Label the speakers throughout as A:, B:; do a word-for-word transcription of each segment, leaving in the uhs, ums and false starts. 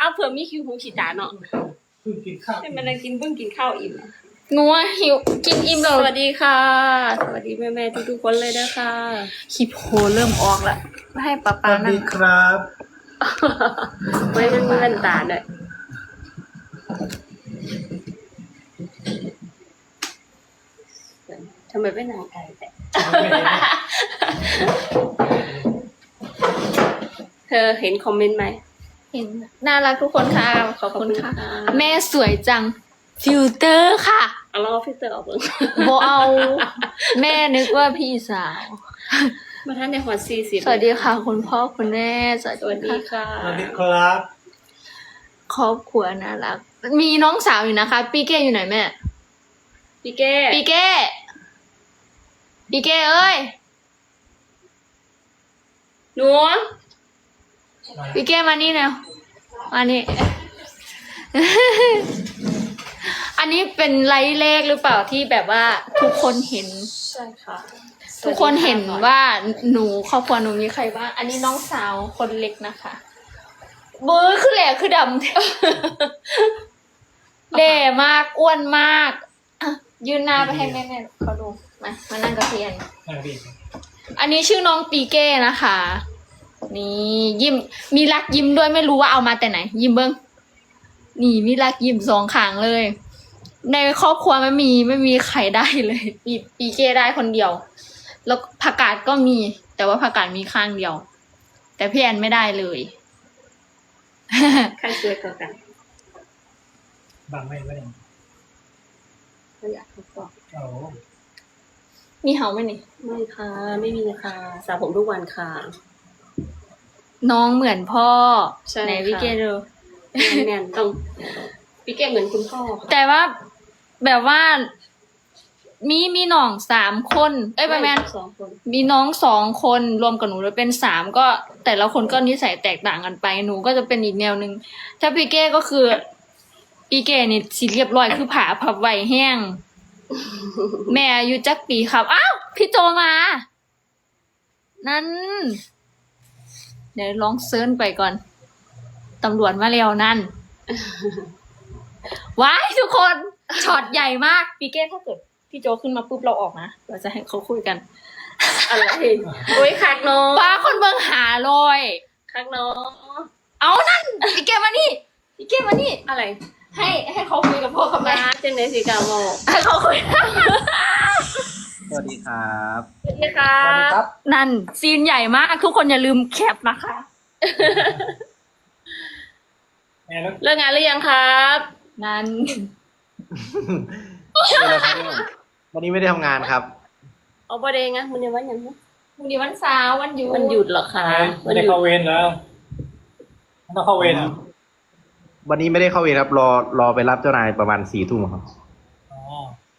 A: เผื่อมีคิวหูขีดตาเนาะ
B: เพิ่งกินข้าว
A: ให้มันกินเพิ่งกินข้าวอิ่ม
C: งัวหิวกินอิ่ม
A: ส
C: แล้ว
A: วัสดีค่ะ สวัสดีแม่แม่ทุกทุกๆคนเลยนะคะ
C: คลิปโหเริ่มออกละให้ป้า
B: ส
C: ป้า
B: วัส
C: นั่
B: ดี
C: ง
B: ครับ
A: ไม่มันมีแว่นตาด้วยทำไมไม่นางไก่แต่เธอเห็นคอมเมนต์ไหม
C: เห็นน่ารักทุกคนค่ะขอบคุณค่ะ
A: ขอบคุณค่ะ
C: แม่สวยจังฟิลเตอร์ค่ะ
A: เอาลองฟิลเตอร์ออกเบิ่ง
C: โบเอา แม่นึกว่าพี่สาว
A: มาท่านในหัวซีสิบ
C: สวัสดีค่ะ คุณพ่อคุณแม่สวัส
A: สวัส
C: ดี
A: ดี
C: ค่ะ
A: ค่ะ
B: สวัสดีครับ
C: ครอบครัวน่ารัก มีน้องสาวอยู่นะคะ ปีเก้อยู่ไหนแม่
A: พี่เก้
C: ปีเก้ปีเก้เอ้ย
A: หนู
C: ปีเก้มานี่แล้วมานี่ อันนี้เป็นไลฟ์เลขหรือเปล่าที่แบบว่าทุกคนเห็น
A: ใช่ค่ะ
C: ทุกคนเห็นว่าหนูครอบครัวหนูมีใครบ้าง อันนี้น้องสาวคนเล็กนะคะเบอร์คือแหล่คือดำ เด่มากอ้วนมากอ่ะยืนหน้าไปให้แม่ๆเขาดูมามานั่งกับเพียน
B: นั่งดี
C: อันนี้ชื่อน้องปีเก้นะคะ นี่ยิ้มมีรักยิ้มด้วยไม่รู้ว่าเอามาแต่ไหน ยิ้มเบิ้งนี่มีรักยิ้มสองขางเลย ในครอบครัวไม่มีไม่มีใครได้เลยปีปีเก้ได้คนเดียว แล้วผักกาดก็มี แต่ว่าผักกาดมีข้างเดียว แต่พี่แอนไม่ได้เลย
A: ใครสวยกว่ากัน
B: บางไม่ไม่ได้
A: ก็อยากทดสอบ
B: โอ้
C: มีเห่าไหมนี่
A: ไม่ค่ะ ไม่มีค่ะสระผมทุกวันค่ะ
C: น้องเหมือนพ่อ
A: ใช่
C: ไหน
A: ค่ะ
C: พี่เก้ดู
A: แน่นๆต้องพี่เก้เหมือนคุณพ่อค่ะ
C: แต่ว่าแบบว่า มีมีน้องสามคน เอ้ยประมาณ
A: สองคน
C: มีน้องสองคนรวมกับหนูแล้วเป็นสามก็ แต่ละคนก็นิสัยแตกต่างกันไปหนูก็จะเป็นอีกแนวหนึ่งถ้าพี่เก้ก็คือพี่เก้นี่สิเรียบร้อยคือผาพับไหวแห้ง แม่อายุจักปีครับอ้าวพี่โจมา นั่น เดี๋ยวลองเซิร์ชไปก่อนตำรวจมาแล้วนั่น ว้ายทุกคนช็อตใหญ่มากปีเก้ถ้าเกิดพี่โจขึ้นมาปุ๊บเราออกนะเราจะให้เขาคุยกัน
A: อะไรโอ้ยคักน้อง
C: ป้าคนเบิ่งหาลอย
A: คักน้อง
C: เอานั่นพี่เก้มานี่พี่เก้มานี่
A: อะไร
C: ให้ให้เขาคุยกับพ่อกับ
A: มา
C: แม่
A: เจนเนสิกาโม
C: ให้เขาคุย
D: สวัสดีครับ
A: สวัสดีค่ะ
B: สวัสดีครับ
C: นั่นซีนใหญ่มากทุกคนอย่าลืมแคปนะคะ
B: แม่แล้ว
A: เลิกงานหรือยังครับ
C: นั่น
D: วันนี้ไม่ได้ทำงานครับ
A: เอาประเด็นไงมันยังวันยังไง
C: วันนี้วันเสาร์วันหยุด
A: มันหยุดเหรอคะ
B: ไม่
A: วัน
B: ได้
A: หยุด
B: เข้าเวรแล้วต้องเข้าเวรอ่ะ
D: วันนี้ไม่ได้เข้าเวรครับ รอรอไปรับเจ้านายประมาณสี่ทุ่มครับ
B: อ๋อ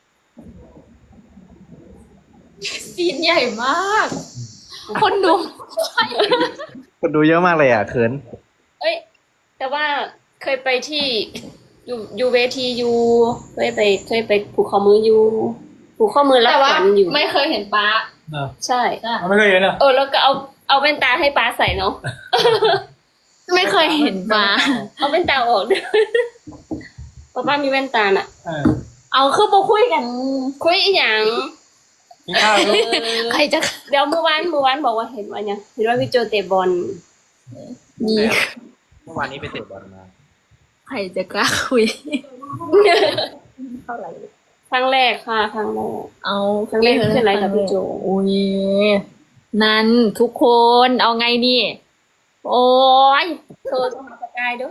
C: ซีนใหญ่มาก คนดู
D: คนดูเยอะมากเลยอ่ะเขิน
A: เอ้ย แต่ว่าเคยไปที่อยู่อยู่เวทีอยู่เคยไปเคยไปผูกข้อมืออยู่ผูกข้อมือรับ
C: แต่
A: ข
C: ว่า
A: วัญอยู่
C: ไม่เคยเห็นป้า
B: เนอะ
A: ใช่
B: มันไม่เคยเห็นอ่ะ
A: เออแล้วก็เอาเอาแว่นตาให้ป้าใส่เนาะ
C: ไม่เคยเห็นป้า
A: เอาแว่นตาออกด้วยป้าป้ามีแว่นตาน่ะ
B: เออ
C: เอาคือมาคุยกัน
A: คุยอีหยัง
B: กินข้าวอยู่
A: เออ
C: ใครจะ
A: เดี๋ยวเมื่อวานเมื่อวานบอกว่าเห็นว่าเนี่ยเห็นว่าพี่โจเตะบอล
C: นี่
D: เมื่อวานนี้ไปเตะบอลมา
C: ใครจะกล้าคุย
A: เท่าไหร่ครั้งแรกค่ะครั้งแรก
C: เอา
A: ครั้งแรกที่เป็นไรกับพี่โจ
C: โอ้ยนั่นทุกคนเอาไงนี่ โอ้ย
A: โทรโทรหาสกายด้วย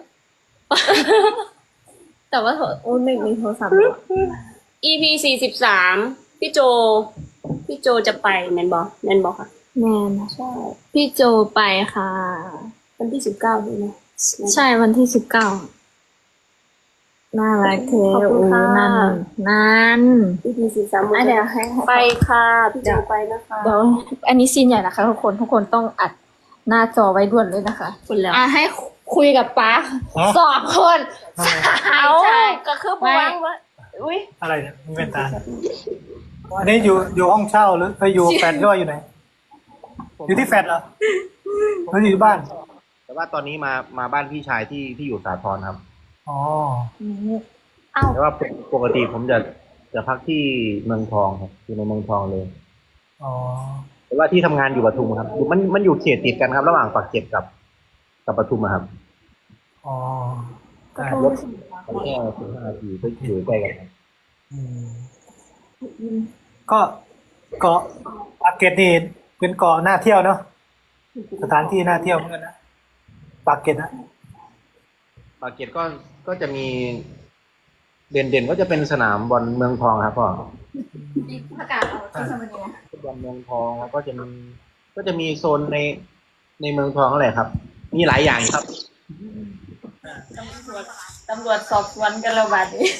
C: แต่ว่าโทรโอ้ยไม่มีโทรศัพท์
A: อี พี สี่สิบสามพี่โจ พี่โจจะไปแมนบอแมนบอค่ะ
C: แมน
A: ใช่
C: พี่โจไปค่ะ
A: วันที่สิบเก้าใช่ไหม
C: ใช่วันที่สิบเก้าน่ารักเท
A: ขอบคุณ
C: โอ้
A: ค่ะ
C: นั่นนั่น
A: อี พี สี่สิบสาม
C: อ่ะเดี๋ยวให้
A: ไปค่ะพี่โจไปนะคะ
C: เดี๋ยวอันนี้ซีนใหญ่นะคะทุกคนทุกคนต้องอัดหน้าจอไว้ด่วนเลยนะคะ
A: คุณแล้ว
C: อ่ะให้คุยกับป๊าสองคนใช่
A: เอา
C: ใช่
A: ก็คือปวางว่าอุ้ย
B: อะไรเนี่ยมีเป็นตาอันนี้อยู่อยู่ห้องเช่าหรือไปอยู่แฟลตด้วยอยู่ไหน อยู่ที่แฟลตเหรอหรืออยู่บ้าน
D: แต่ว่าตอนนี้มามาบ้านพี่ชายที่ที่อยู่สาทรครับ
B: อ๋อ
A: เอ้า
D: แต่ว่าปกติผมจะจะพักที่เมืองทองครับอยู่ในเมืองทองเลย
B: อ๋อ
D: แต่ว่าที่ทำงานอยู่ปทุมครับอยู่มันมันอยู่เขตติดกันครับ ระหว่างปากเกร็ดกับกับปทุมอะครับ
B: อ๋อ
A: ก็
B: ได้
A: โทร
D: รถแค่สิบห้านาทีก็อยู่ใกล้กันครับ
B: อืมก็เกาะปากเกร็ดนี่เป็นเกาะน่าเที่ยวเนาะสถานที่น่าเที่ยวเหมือนกันนะปากเกร็ดนะ
D: ปากเกร็ดก็ก็จะมีเด่นเด่นๆก็จะเป็นสนามบอลเมืองทองครับพ่อ
C: ประกาศเอาที่สมัยนี้
D: บอลเมืองทองแล้วก็จะมีก็จะมีโซนในในเมืองทองอะไรครับ มีหลายอย่างครับ
A: ตำรวจตำรวจสอบสวนกันแล้วบัดนี้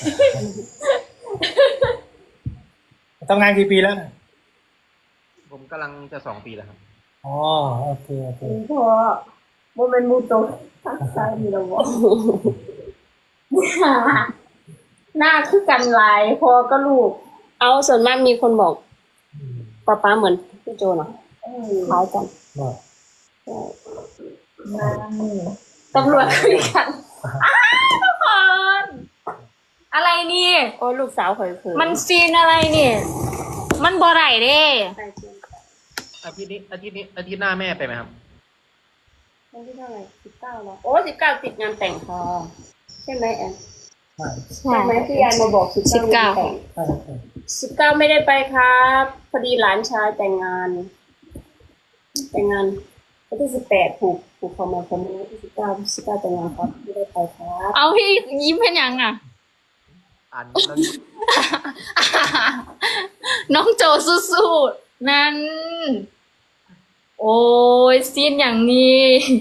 B: ทำงานกี่ปีแล้วเนี่ย
D: ผมกำลังจะสองปีแล้วครับ
B: อ๋อโอเคโอเค
A: เพราะโมเมนต์มูโตทักษะมีระบบหน้าคือกันหลายพอก็ลูก เอาส่วนมากมีคนบอก
B: อืม
A: ป๊าป๊าเหมือนพี่โจเนาะคล้ายกัน
B: ก็
A: ตำรวจคุยกัน
C: ทุกคนอะไรนี่
A: โอ้ลูกสาวเคยเคย
C: มันซีนอะไรนี่ มันบ่ไรเด้
D: อาทิตย์นี้อาทิตย์นี้อาทิตย์หน้าแม่ไปไหมครับ
A: วันที่เท่าไหร่สิบเก้าแล้วโอ้สิบเก้าติดงานแต่งพอใช่ไหมแอน
B: ใช่
A: ใช่ไหมที่แอนมาบอกสิบ
C: สิบเก้า
A: เก้า
B: ใช่ใช่
A: สิบเก้าไม่ได้ไปครับพอดีหลานชายแต่งงาน แต่งงานวันที่สิบแปดผูกผูกคอมาคนนี้วันที่สิบเก้าสิบเก้าแต่งงานครับไม่ได้ไปครับ
C: เอาพี่ยิ้มเป็นยังอ่ะ
D: อ่านแล้ว
C: น้องโจสู้ๆนั่น โอ้ยซีนอย่างนี้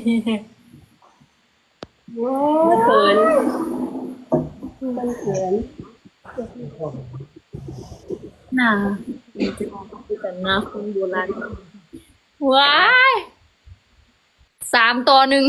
A: เขินมันเขิน
C: น่าแต่หน้าคนโบราณว้ายสามตัวหนึ่ง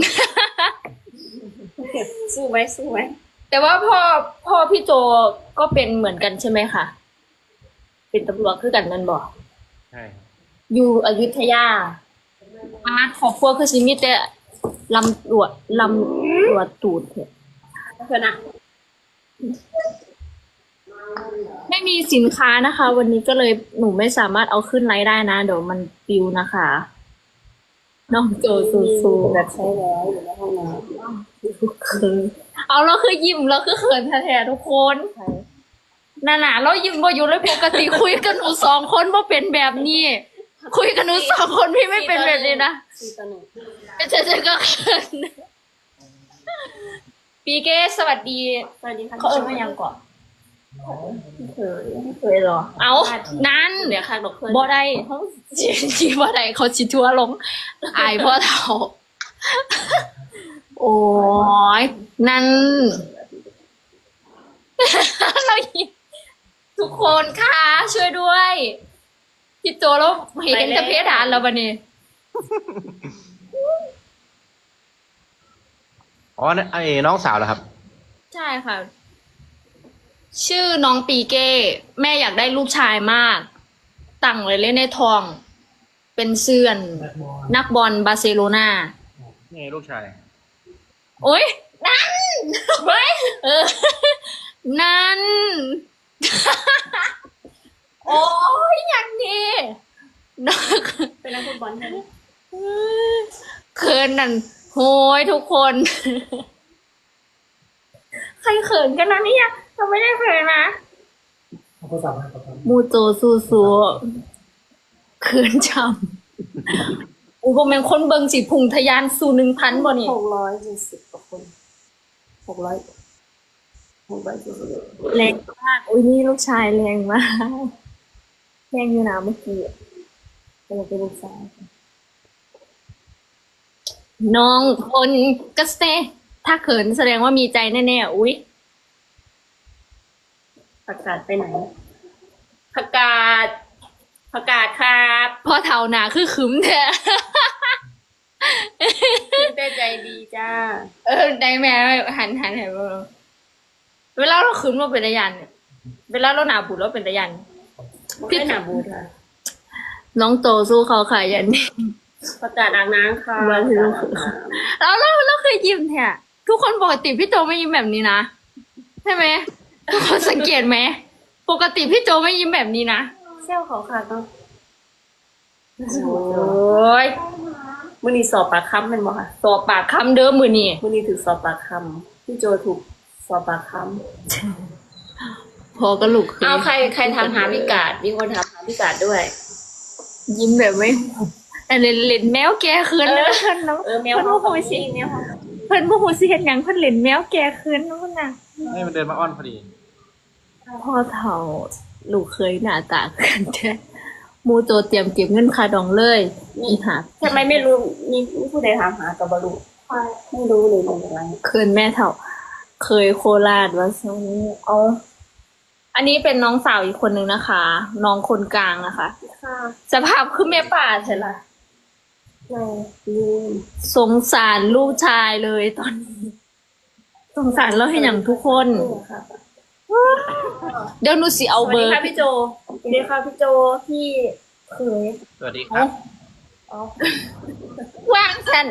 A: สู้ไหมสู้ไหม
C: แต่ว่าพ่อพ่อพี่โจก็เป็นเหมือนกันใช่ไหมคะ เป็นตำรวจคือกันนั่นบอก
D: ใช่ครับ
C: อยู่อยุธยาอาขอบครัวคือสิมีแต่ลำรวจลำรวจตูดเถอะ
A: เพื่อนอะ
C: ไม่มีสินค้านะคะ วันนี้ก็เลยหนูไม่สามารถเอาขึ้นไลฟ์ได้นะ เดี๋ยวมันปิวนะคะ น้องโจสู้ๆ
A: แบบใช้แล้วอยู่ในห้องน้
C: เขินเอาเราคือยิ้มเราคือเขินแท้ๆทุกคน
A: ำใช่
C: น่าหนาเรายิ้มบ่อยู่เลยปกติคุยกันหนูสองคนว่าเป็นแบบนี้ คุยกันหนูสองคนพี่ไม่เป็นแบบนี้นะ
A: สี่ต่อหนึ่ง
C: เจะจะก็เขินปีเก้สวัสดี
A: สวัสดีค่ะ
C: เขาเอิญมายังก่อน
A: เคย
C: เคยหรอ เอานั้น
A: เดี๋ยวค่ะดอกเพื่อน
C: บ่ได้เขาจีบ่ได้เขาชิทัวร์ลงอายพ่อเฒ่า โอ้ยนั่น เรายิ้มทุกคนค่ะช่วยด้วยพี่โจแล้วเห็นจะเพดานแล้วบันนี้
D: อ๋อนั่นไอ้น้องสาวเหรอครับ
C: ใช่ค่ะ ชื่อน้องปีเก้ แม่อยากได้ลูกชายมาก ตั้งเลยเล่นในทอง เป็นเสื่อน
B: แบดบอล
C: นักบอลบาร์เซโลนา
D: นี่ลูกชาย
C: โอ๊ย นั่นเฮ้ยเออ นั่น โอ้ยอย่างนี้นัก
A: เป็นนักฟุตบอลใช่ไหม
C: เขินนั่นโหยทุกคน ใครเขินกันนะเนี่ยเราไม่ได้เขินนะ
B: เอาโทรศัพท์มาครับ
C: มูโจซูซูเขินจำอุปเมนคนเบิงสิพุงทะยานสู่หนึ่งพันบ่นี่
A: หกร้อยเจ็ดสิบกว่าคนหกร้อยหกร้อยเจ็ดสิบ
C: แรงมากอุ้ยนี่ลูกชายแรงมากแรงอยู่นะเมื่อกี้
A: เป็นเป็นลูกสาว
C: น้องคนก็เซถ้าเขินแสดงว่ามีใจแน่ๆอุ้ย
A: ประกาศไปไหนประกาศประกาศครับ
C: พ่อเท่าหนาคือขึมแท้
A: พี่เต้ใจดีจ้า
C: เออได้แม่หันหันหันมาเวลาเราขึมเราเป็นตะยันเนี่ยเวลาเราหนาบุดเราเป็นตะยัน
A: พี่หนาบูดค่ะ
C: น้องโตสู้เขาค่ะยันนี้
A: ประกาศอาบน้ำค่ะ
C: วันที่ลูกเราเราเราเคยยิ้มแท้ทุกคนปกติพี่โจไม่ยิ้มแบบนี้นะใช่ไหมทุกคนสังเกตไหมปกติพี่โจไม่ยิ้มแบบนี้นะ
A: เซลเขาค่ะต้องโอ้ยมื่อนี้สอบปากคำเป็นบ่ค่ะ
C: สอบปากคำเดิมมือนี่
A: มื่อนี้ถูกสอบปากคำพี่โจถูกสอบปากค
C: พอกระลุก
A: ำเอาใครใครทำหาพิกาดมีคนทำหาพิกาดด้วย
C: ยิ้มแบบไม่แต่เล่นเล่นแมวแกคืนนะเพิ่นเนาะ
A: เออแมว
C: เพิ่น
A: เขา
C: โมโหสิ
A: แมวเขา
C: เพิ่นโมโหสิเฮ็ดหยังเพิ่นเล่นแมวแกคืนเนาะน่ะ
D: ให้มันเดินมาอ้อนพอดี
C: พ่อเฒ่าลูกเคยหน้าตากันแท้หมูโจเตรียมเก็บเงินค่าดองเลยอีหัก
A: ทำไมไม่รู้มีมีผู้ใดถามหากับบรูไม่รู้เลยเป็นอะไร
C: คืนแม่เฒ่า เคยโคราชว่าซั่นเอาอันนี้เป็นน้องสาวอีกคนนึงนะคะ น้องคนกลางนะคะ
A: ค่ะ
C: สภาพคือแม่ป่าใช่ล่ะ
A: ในลืม
C: สงสารลูกชายเลยตอนนี้ สงสารเราให้อย่างทุกคน
A: ค่ะ
C: เดี๋ยวหนูสิเอา
A: สวัส
C: เบอ
A: ดี
C: ร์
A: ค่ะพี่โจสวัสดีค่ะพี่โจพี่เคย
D: สวัสดีครับ
A: อ๋อ
C: ว่างสัน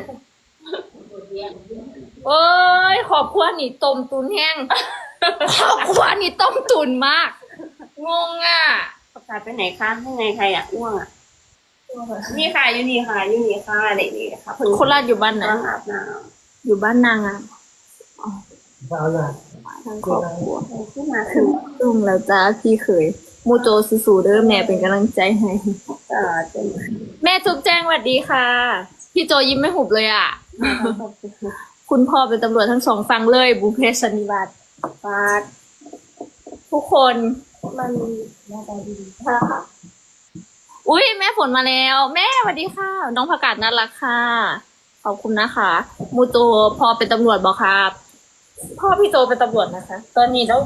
C: โอ้ยขอบครัวนี่ต้มตุนแห้งขอบครัวนี่ต้มตุนมาก งงอ่ะ
A: ประกาศไปไหนคะข้างในใครอ่ะอ้วงอ่ะนี่ค่ะอยู่นี่ค่ะอยู่นี่ค่ะเด็กนี่ค่ะเพิ่ง
C: คนราชอยู่บ้านไหน
A: กำลังอาบน้
C: อยู่บ้านนางอ่ะ
B: เอาละ
C: ทั้งครอบครัว
A: ำขึ้นมาถึง
C: ลุงแล้วจ้าพี่เคยโมโจสู้ๆเด้อแม่เป็นกำลังใจให้
A: เอ่อจน
C: แม่ทุกแจ้งสวัสดีค่ะ พี่โจยิ้มไม่หุบเลยอ่ะ คุณพ่อเป็นตำรวจทั้งสองฝั่งเลย บุพเพสันนิวาส
A: ฟาด
C: ทุกคน
A: มันหน้าตาดี
C: ค่ะอุ้ยแม่ฝนมาแล้ว แม่สวัสดีค่ะ น้องผักกาดน่ารักค่ะ ขอบคุณนะคะมูโจพอเป็นตำรวจบอกครับพ่อพี่โจเป็นตำรวจนะคะ ตอนนี้แล้ว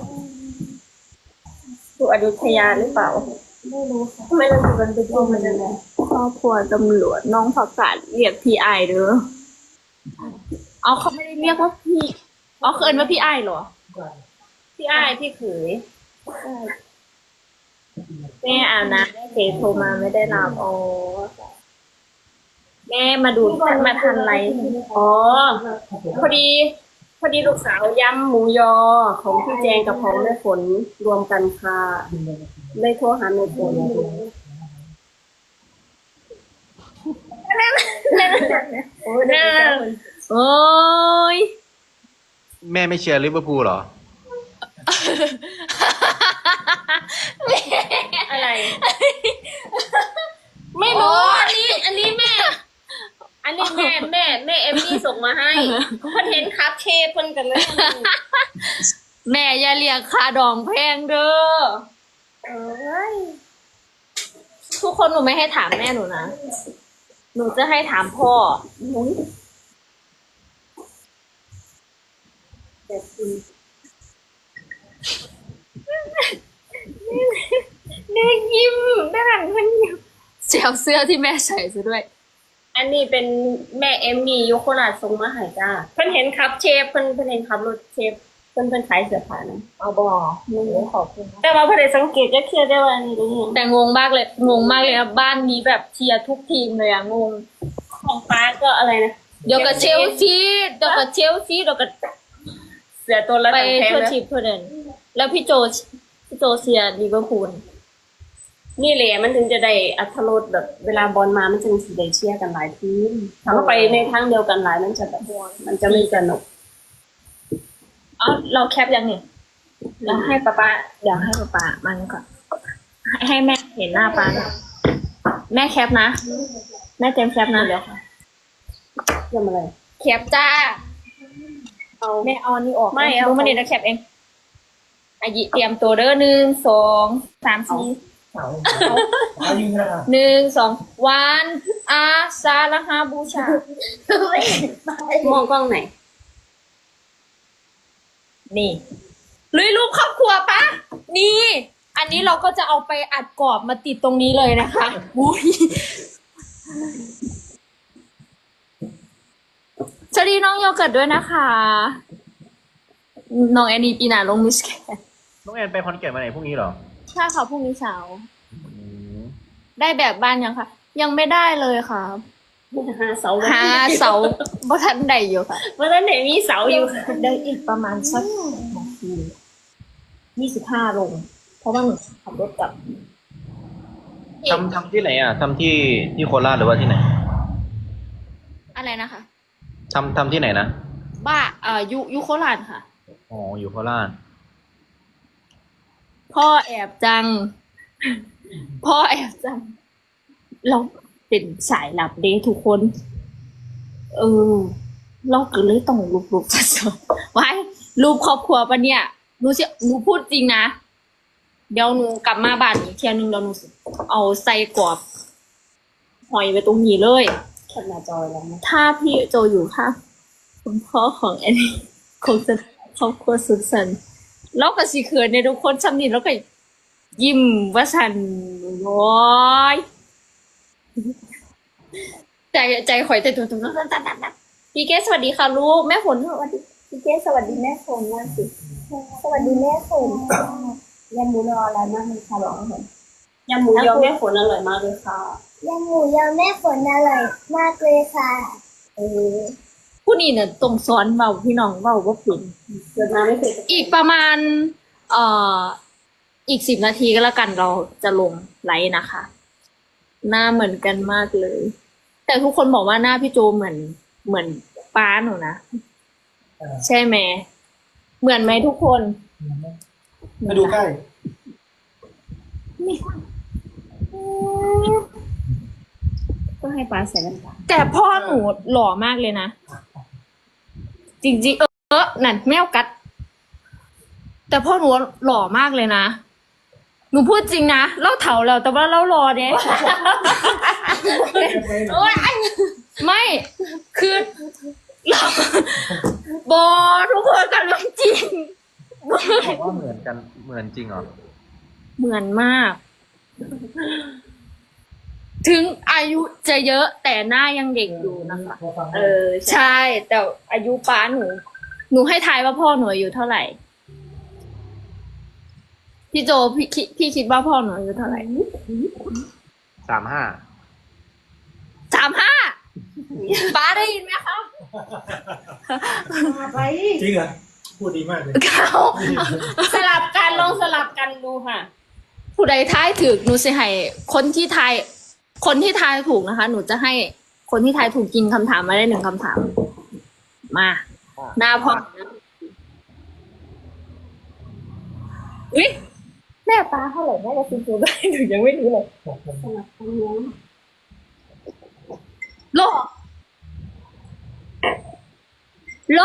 A: อยู่อยุธยาหรือเปล่าไม่รู้ค่ะทำไมเราอยู่กันเป็นทีมมันยังไง
C: ครอบครัวตำรวจน้องผักกาดเรียกพี่ไอเด้อเอาเขาไม่ได้เรียกว่าพี่เอาเคินว่าพี่ไอเหรอ
A: พี่อ้ายพี่เขย
C: แม่อาบน้ำแม่เจโทรมาไม่ได้รับอ๋อแม่มาดูมาทันไร
A: อ๋อพอดี พอดีลูกสาวยำหมูยอของพี่แจงกับของแม่ฝนรวมกันค่ะเลยโทรหาแม่ฝนโอ้ยเดี๋ยวจะ
C: โอ้ย
D: แม่ไม่เชียร์ลิเวอร์พูลเหรอ
A: อะไร ไม่รู้อันนี้ อันนี้แม่ อันนี้แม่แม่แม่เอมมี่ส่งมาให้เพิ่นเห็นครับเชฟเพิ่นกันเลย
C: แม่อย่าเรียกค่าดองแพงเด้อ
A: เอ้ย
C: ทุกคนหนูไม่ให้ถามแม่หนูนะ หนูจะให้ถามพ่อ
A: หนุ้ยแต่คุณ
C: แม่ยิ้มแม่หันมันยิ้มเสียวเสื้อที่แม่ใส่ซะด้วย
A: อันนี้เป็นแม่เอมมี่อยุโคราชส่งมาให้จ้าเพิ่นเห็นครับเชฟเพิ่นเพิ่นเห็นครับรถเชฟเพิ่นเพิ่นขายเสื้อผ้านะ
C: เอาบอหนูขอบคุณ
A: แต่ว่าเพิ่นได้สังเกตจะเคลียร์ได้ว่าอันนี้รู้ยัง
C: แต่งงมากเลย งงมากเลยนะบ้านนี้แบบเชียร์ทุกทีมเลยอะงง
A: ของฟ้าก็อะไรนะ
C: เดี๋ยวกับเชลซีเดี๋ยวกับเชลซีเดี๋ยวกับ
A: เสือตัวละ
C: ไป
A: แพง
C: ทั่ว
A: นะ
C: ทีมทั่วเดินแล้วพี่โจพี่โจเชียร์ลิเวอร์พูล
A: นี่แหละมันถึงจะได้อัธรสแบบเวลาบอลมามันจึงสิได้เชียร์กันหลายทีมถ้าเราไปในทางเดียวกันหลายมันจะแบบมันจะไม่สนุก
C: อ๋อเราแคปยังเนี่ยเดี๋ยวให้ป้าป้าเดี๋ยวให้ป้าป้ามันก่อนให้ให้แม่เห็นหน้าป้าหน่อยแม่แคปนะแม่เต็มแคปนะเดี๋ยวค่ะ
A: เรื่องอะไร
C: แคปจ้า
A: เอา
C: แม่เอาอันนี้ออก
A: ไม่เอา
C: รู้มันเดี๋ยวแคปเองอายิเตรียมตัวเด้อหนึ่งสองสามสี่
B: เอาเอายิงนะ
C: หนึ่งสองวันอาซาลาฮาบูชาม
A: องกล้องไหน
C: นี่ลุยรูปครอบครัวปะนี่ อันนี้เราก็จะเอาไปอัดกรอบมาติดตรงนี้เลยนะคะอุ้ยสวัสดีน้องโยเกิร์ตด้วยนะคะ น้องแอนนี่ปีหนาลงมิสแกน
D: น้องแอนไปคอนแก่นมาไหนพรุ่งนี้เหรอ
C: ใช่ค่ะพรุ่งนี้เช้า
D: อืม
C: ได้แบบบ้านยังคะยังไม่ได้เลยค่ะ
A: หาเสา
C: หาเสาบ่ทันได้อยู่ค่ะ
A: เพราะฉะนั้นไหนมีเสาอยู่ค่ะ
C: ได้อีกประมาณสักนาทียี่สิบห้าลง เพราะว่าหนูขับรถกลับ
D: ทำทำที่ไหนอ่ะทำที่ที่โคราชหรือว่าที่ไหน
C: อะไรนะคะ
D: ทำทำที่ไหนนะ
C: บ้าเอ่อยุยุโคราชค่ะ
D: อ๋ออยู่โคราช
C: พ่อแอบจัง พ่อแอบจัง เราเป็นสายลับเด้ทุกคน เออ เราก็เลยต้องรูปรูปสดๆไว้รูปครอบครัวปะเนี่ยหนูเชื่อหนูพูดจริงนะ เดี๋ยวหนูกลับมาบ้านอีกเที่ยนึงเดี๋ยวหนูเอาใส่กรอบหอยไว้ตรงนี้เลย
A: แคปหน้าจอยแล้วนะ
C: ถ้าพี่โจอยู่ค่ะ คุณพ่อของแอนนี่คงจะครอบครัวสุดสันต์แล้วก็สิเขินในทุกคนซ้ำนี่แล้วก็ยิ้มว่าสันโอ้ยใจใจข่อยแต่ตัวตัวตัวตัวตัวพี่เกสสวัสดีค่ะลูกแม่ฝนสวัสดีพี่เกสสวัสดีแม่ฝนมากสิสวัสดีแม่ฝน
A: ยำหมูยออะไรมากเลยค่ะบอกให้เห็นยำหมูยอแม่ฝนอร่อยมากเลยค่ะ
E: ยำหมูยอแม่ฝนอร่อยมากเลยค่ะ
A: เออ
C: ผู้นี้เนี่ยตรงซ้อนเบาพี่น้องเบาว่าผุน
A: เกิดมาไม่เคย
C: อีกประมาณ เอ่อ อีกสิบนาทีก็แล้วกันเราจะลงไลฟ์นะคะ หน้าเหมือนกันมากเลย แต่ทุกคนบอกว่าหน้าพี่โจเหมือนเหมือนป้าหนูนะ ใช่ไหม เหมือนไหมทุกคน
B: มาดูใกล้
A: ก็ให้ปลาใส่น้ำตาล
C: แต่พ่อหนูหล่อมากเลยนะ จริงๆ เออนั่นแมวกัด แต่พ่อหนูหล่อมากเลยนะ หนูพูดจริงนะเล่าเถาแล้วแต่ว่าเล่ารอเนี่ย โอ๊ยไม่คือ เราบอทุกคนกันเรื่องจริง
D: บอกว่าเหมือนกันเหมือนจริงเหรอ
C: เหมือนมาก ถึงอายุจะเยอะแต่หน้ายังเด็กอยู่นะคะ
A: เออ
C: ใช่ แต่อายุป้าหนู หนูให้ทายว่าพ่อหนูอายุเท่าไหร่ พี่โจพี่คิดพี่คิดว่าพ่อหนูอายุเท่าไหร่
D: สามห้า
C: สามห้าป้าได้ยินไหมคะ
A: ไป
B: จริงเหรอพูดดีมากเลย
C: เขา
A: สลับกันลองสลับกันดูค่ะ
C: ผู้ใดทายถูกหนูจะให้คนที่ทาย คนที่ทายถูกนะคะ หนูจะให้คนที่ทายถูกกินคำถามมาได้หนึ่งคำถาม มา หน้าพ่ออุ๊ยแม่ป้าเท่าไหร่แม่จะซื้อได้หนูยังไม่รู้เลย
A: สลับกันเนี้ย
C: โลโล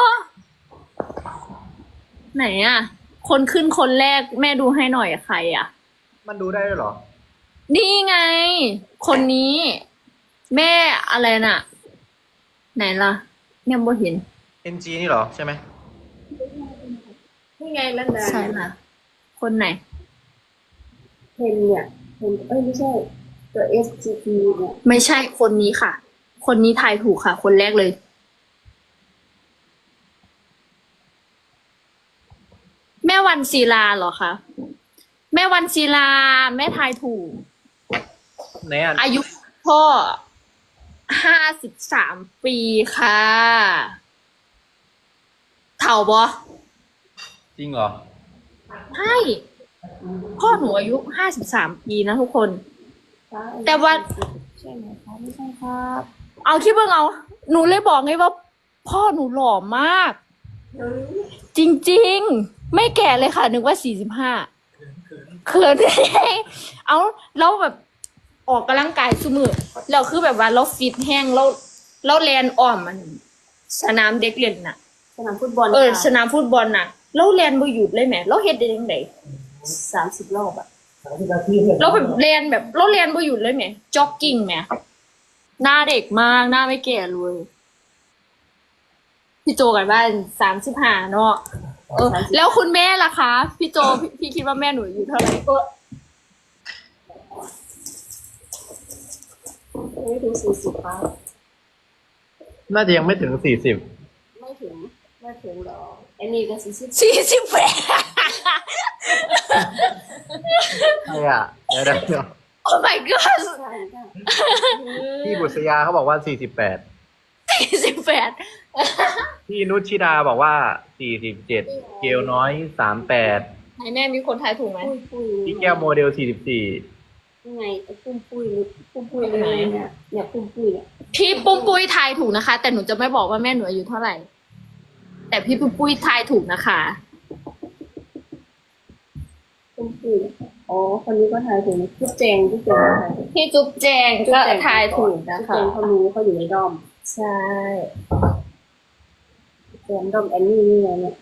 C: ไหนอ่ะ คนขึ้นคนแรกแม่ดูให้หน่อยใครอ่ะ
D: มันดูได้ด้วยเหรอ
C: นี่ไง คนนี้ แม่อะไรน่ะ ไหนล่ะเนี่ยบ่เห็น
D: เอ็น จี นี่เหรอใช่ไหม
A: นี่ไงลันดา
C: ใช่ล่ะ คนไหน
A: เพนเนี่ยเพนเอ้ยไม่ใช่ ตัว เอส จี พี เนี่ย
C: ไม่ใช่คนนี้ค่ะ คนนี้ทายถูกค่ะ คนแรกเลย แม่วันศิลาเหรอคะแม่วันศิลาแม่ทายถูก
D: ไหนอ่ะ
C: อายุพ่อห้าสิบสามปีค่ะ เถ่าบอ
D: จริงเหรอ
C: ใช่ พ่อหนูอายุห้าสิบสามปีนะทุกคน แต่ว่า
A: ใช่ไหมคะไม่ใช่ครับ
C: เอาคิดว่าเอาหนูเลยบอกไงว่า พ่อหนูหล่อมาก จริงๆ ไม่แก่เลยค่ะ นึกว่าสี่สิบห้าเขินเอาแล้วแบบออกกำลังกายสมือแล้วคือแบบว่าเราฟิตแห้งเราเราแลนอ้อมมัน สนามเด็กเล่นน่ะ
A: สนามฟุตบอล
C: เออ
A: ค่ะ
C: สนามฟุตบอลน่ะ เราแลนบ่หยุดเลยแหมเราเฮ็ดได้ยังไง
A: สามสิบรอบอะ
C: เราแบบแลนแบบเราแลนบ่หยุดเลยแหมจ็อกกิ้งแหมหน้าเด็กมากหน้าไม่แก่เลยพี่โจกันบ้านสามสิบห้าเนาะเออ แล้วคุณแม่ล่ะคะ พี่โจพี่พี่คิดว่าแม่หนูอายู่เท่าไหร่ก็
A: ไม่ถึงสี่สิบครับ
D: น่าจะยังไม่ถึงสี่สิบ
A: ไม่ถึงไม่ถึงหรอกไอ้นี่ก็สี่สิบ
C: สี่สิบแปด
D: ใช่อ่ะเดี๋ยวเดี๋ยวเดี๋ยว
C: โอ้ my god
A: ใช่ค่ะ
D: พี่บุษยาเขาบอกว่าสี่สิบแปด
C: สี่สิบแปด
D: พี่นุชชิดาบอกว่าสี่สิบเจ็ดเกลน้อยสามแปด
C: ไหนแม่มีคนทายถูกไหม
A: ปุ้ยปุ้ย
D: พี่แก้วโมเดลสี่สิบสี่
A: ยังไงไอ้ปุ้มปุ้ยนี่ปุ้มปุ้ยเลยเนี่ยเนี่ยปุ้มปุ้ยเนี่ย
C: พี่ปุ้มปุ้ยทายถูกนะคะ แต่หนูจะไม่บอกว่าแม่หนูอายุเท่าไหร่ แต่พี่ปุ้มปุ้ยทายถูกนะคะ
A: ปุ้มปุ้ยอ๋อคนนี้ก็ทายถูกนะจุ๊บแจงจุ๊บแจงทายถูก
C: พี่จุ๊บแจงก็ทายถูกนะ
A: จุ๊บ
C: คะ
A: แจงเขารู้เขาอยู่ในด้อม
C: ใช่
A: แจงด้อมแอนนี่นี่ไงเนี่ย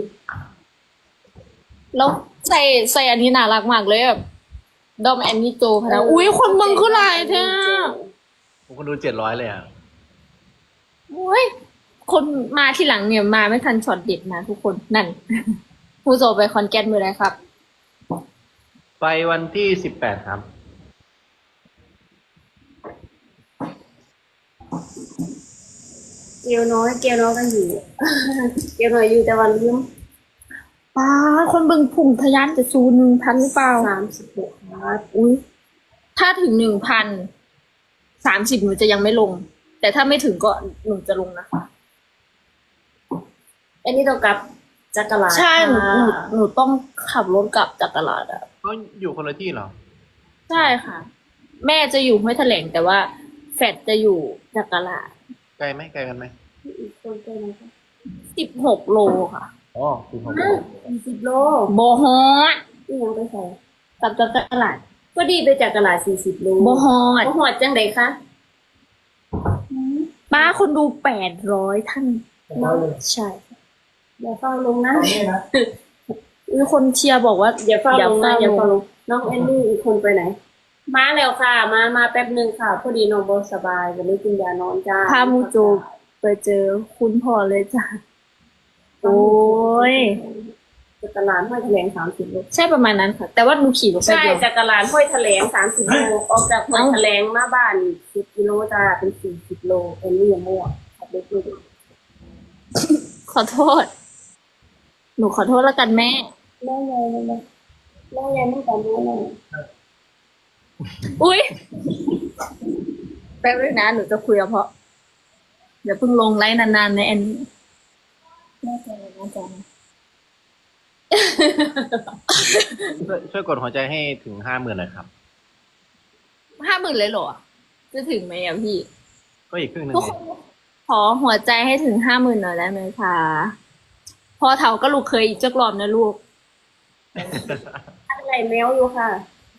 C: แล้วใส่ใส่อันนี้น่ารักมากเลยแบบดอมแอนนี่โจพนะอุ้ยคนเมึงคือหลายแท้
D: ผมคนดูเจ็ดร้อยเลยอ่ะ
C: อุ้ยคนมาที่หลังเนี่ยมาไม่ทันช็อตเด็ดนะทุกคนนั่น ผู้โจไปคอนแกนมือไรครับ
D: ไปวันที่สิบแปดครับ
A: เกลน้อยเกลน้อยก็อยู่ เกลน้อยอยู่แต่วันลืม
C: ป้าคนเบิ่งผุ่งทะยานจะซูหนึ่งพันหรือเปล่า
A: สามสิบหกครับ
C: อุ้ยถ้าถึงหนึ่งพันสามสิบหนูจะยังไม่ลง แต่ถ้าไม่ถึงก็หนูจะลงนะคะ
A: อันนี้ต้องกลับจักรลา
C: ใช่หนูหนูหนูต้องขับรถกลับจากตลาดอะ
D: เขาอยู่คนละที่เหรอ
C: ใช่ค่ะ แม่จะอยู่ห้วยแถลงแต่ว่าแฟดจะอยู่จากตลาด
D: ไกลไหมไกลกันไหม
A: อีกคนเป็นอะไรคะ
C: สิบหกโลค่ะ
D: อ๋อคือผม
A: สี่สิบโล
C: โบฮอด
A: นี่ยังไปใส่
C: กลับจากตลาด
A: ก็ดีไปจากตลาดสี่สิบโล
C: โบฮอด
A: โบหอดจังไดคะ
C: ป้าคนดูแปดร้อยท่าน
B: ร้อยเลย
C: ใช่
A: อย่าเฝ้าลงนะ
B: ตอนนี้นะ
C: มีคนเชียร์บอกว่า
A: อย่าเฝ้าลงนะอย่าเฝ้า
C: ล
A: ล
C: ง
A: งน้องแอนนี่อีกคนไปไหน มาแล้วค่ะ มามาแป๊บหนึ่งค่ะพอดีน้องบสบายวันนี้กินยานอนจ้า
C: พามูโจไปเจอคุณพ่อเลยจ้ะ โอ้ย
A: จากตลาดห้วยแถลงสามสิบโล
C: ใช่ประมาณนั้นค่ะ แต่ว่าหนูขี่รถไป
A: ใช่
C: เดียว
A: จากตลาดห้วยแถลงสามสิบโลออกจากห้วยแถลงมาบ้านสิบกิโลจ้าเป็นสี่สิบโลแอนนี่ยังมั่วขับรถไม่ได้
C: ขอโทษ หนูขอโทษแล้วกันแม่
A: แม่ยายเลยนะแม่ยายไม่แต่แม่เลย
C: อุ้ยแป๊บนึงนะหนูจะคุยกับเพราะเดี๋ยวเพิ่งลงไลน์นานๆในแอนนี่แม่ใจเลยนะจ๊ะ
D: ช่วยช่วยกดหัวใจให้ถึงห้าหมื่นหน่อยครับ
C: ห้าหมื่นเลยเหรอ จะถึงไหมอ่ะพี่
D: ก็อีกครึ่งหนึ่ง
C: ทุกคนขอหัวใจให้ถึงห้าหมื่นหน่อยได้ไหมคะพอเถาก็ลูกเคยอีกจักรอบนะลูก
A: อะไรแมวอยู่ค่ะ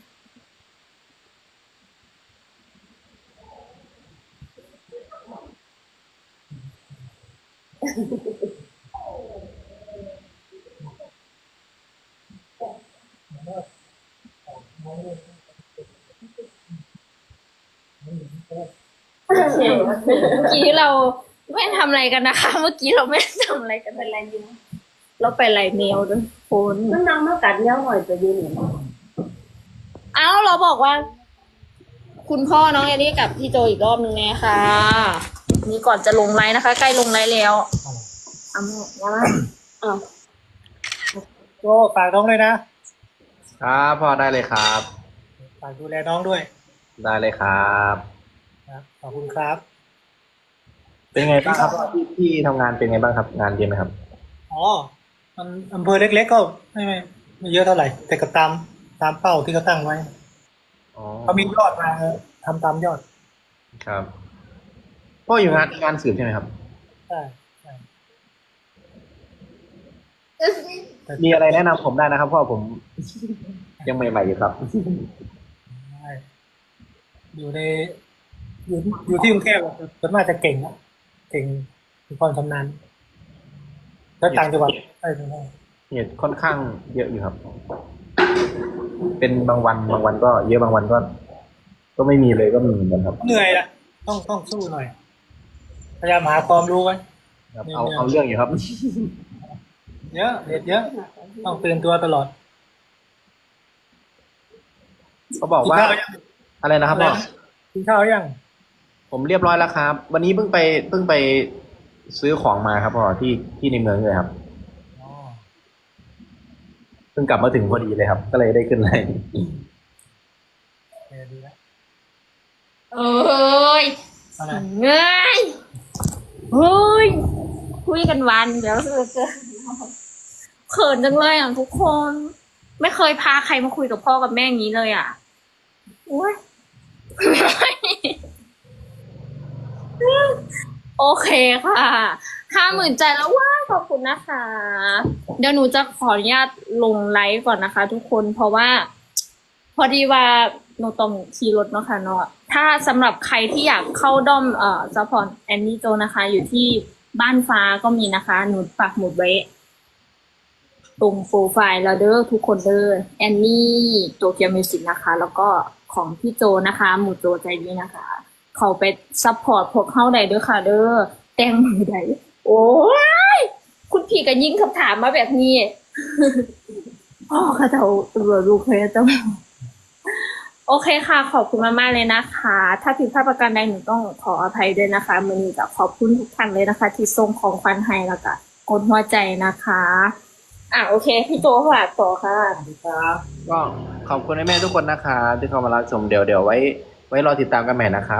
C: เมื่อกี้เราไม่ทำอะไรกันนะคะ เมื่อกี้เราไม่ได้ทำอะไรกันเป็นไรอยู่เราไปไล่แมวด้วยคน
A: มันนั่งมากัดแมวหน่อยไปยืนหนึ่ง
C: เอ้าเราบอกว่า คุณพ่อน้องแอนนี่กับพี่โจอีกรอบนึงแน่ค่ะ นี่ก่อนจะลงไลน์นะคะ ใกล้ลงไลน์แล้วเอาแม่ยังไงอ้าว
B: โจฝากน้องเลยนะ
D: ครับพ่อได้เลยครับ
B: ฝากดูแลน้องด้วย
D: ได้เลยครับ
B: นะขอบคุณครับ
D: เป็นไงบ้างครับที่ที่ทำงานเป็นไงบ้างครับ งานเยอะไหมครับ
B: อ๋อ มันอำเภอเล็กๆก็ไม่ไม่ไม่เยอะเท่าไหร่ แต่ก็ตามตามเป้าที่เขาตั้งไว้
D: อ๋อ
B: เขามียอดมาเออทำตามยอด
D: ครับพ่ออยู่งานงานสืบใช่ไหมครับ
B: ใช่ใช่
D: มีอะไรแนะนำผมได้นะครับพ่อผมยังใหม่ๆอยู่ครับ
B: ใช่อยู่ในอยู่อยู่ที่กรุงเทพอะส่วนมากจะเก่งนะเก่งมีความชำนาญแล้วต่างจังหวัดใช่ไหม
D: เนี่ยค่อนข้างเยอะอยู่ครับ เป็นบางวันบางวันก็เยอะบางวันก็ ก็ไม่มีเลยก็มีเหมือนกันครับ
B: เหนื่อยละต้องต้องสู้หน่อย พยายามหาความรู้ไว้
D: ครับเอาเอาเรื่องอยู่ครับ
B: เยอะเด็ดเยอะ ต้องตื่นตัวตลอด
D: เขาบอกว่า
B: กินข้าวยัง
D: อะไรนะครับพ่อ
B: กินข้าวยัง
D: ผมเรียบร้อยแล้วครับ วันนี้เพิ่งไปเพิ่งไปซื้อของมาครับพ่อที่ที่ในเมืองเลยครับ
B: อ๋อ
D: เพิ่งกลับมาถึงพอดีเลยครับ ก็เลยได้ขึ้นไลน์
B: โอเคอดีแล้ว
C: เอ้ย
B: อะไร
C: เงยเฮ้ยคุยกันวันเดี๋ยวเจอเขินจังเลยอ่ะทุกคน ไม่เคยพาใครมาคุยกับพ่อกับแม่อย่างนี้เลยอ่ะโอ้ย โอเคค่ะห้าหมื่นใจแล้วว้าขอบคุณนะคะ เดี๋ยวหนูจะขออนุญาตลงไลฟ์ก่อนนะคะ ทุกคนเพราะว่า พอดีว่าหนูต้องขี่รถเนาะค่ะเนาะถ้าสำหรับใครที่อยากเข้าด้อมเอ่อซัพพอร์ตแอนนี่โจนะคะ อยู่ที่บ้านฟ้าก็มีนะคะ หนูปักหมุดไว้ ตรงโปรไฟล์เราเด้อทุกคนเด้อแอนนี่โตเกียวมิวสิกนะคะ แล้วก็ของพี่โจนะคะ หมูโจใจดีนะคะ เขาไปซัพพอร์ตพวกเข้าได้เด้อค่ะเด้อแต่งมือใดโอ้ยคุณพี่ก็ยิ่งคำถามมาแบบนี้ พ่อเขาจะตัวลูกเคยจะโอเคค่ะ ขอบคุณมากๆเลยนะคะ ถ้าผิดพลาดประการใดหนูต้องขออภัยด้วยนะคะมือนี้จะขอบคุณทุกท่านเลยนะคะ ที่ส่งของขวัญให้แล้วก็กดหัวใจนะคะ อ่ะโอเคพี่โจฝากต่อค่ะ
B: สวัสดีครับ
D: ก็ขอบคุณแม่ๆทุกคนนะคะที่เข้ามารับชมเดี๋ยวเดี๋ยวไว้ ไว้รอติดตามกันใหม่นะครับ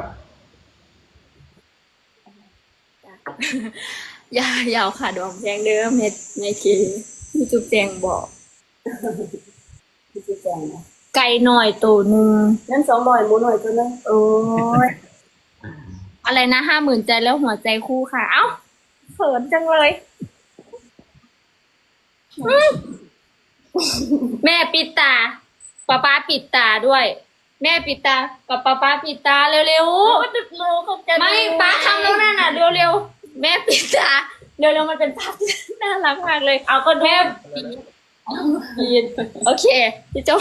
C: ยายาวค่ะดวงแจงเด้อเม็ดในเคพี่จุ๊บแจงบอก
A: พี่ชี้แจงนะ
C: ไก่หน่อยตัวหนึ่ง
A: นั่นสองหน่อยหมูหน่อยตัวนึง
C: โอ้ยอะไรนะห้าหมื่นใจแล้วหัวใจคู่ค่ะ เอ้าเขินจังเลยอื้อแม่ปิดตาป้าป้าปิดตาด้วย แม่ปิดตากับป้าป้าปิดตาเร็ว
A: ก็จะรู้เขาจะ
C: ๆไม่ป้าทำแล้วนั่นน่ะเร็วๆแม่ปิดตาเร็วๆมันเป็นภาพที่น่ารักมากเลย
A: เอาก็ดู
C: แม่ปิดปิดโอเคพี่โจ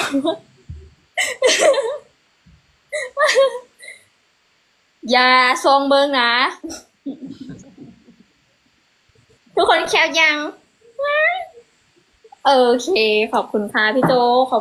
C: อย่าทรงเบิงนะ ทุกคนแคปยัง โอเค ขอบคุณค่ะพี่โจขอบ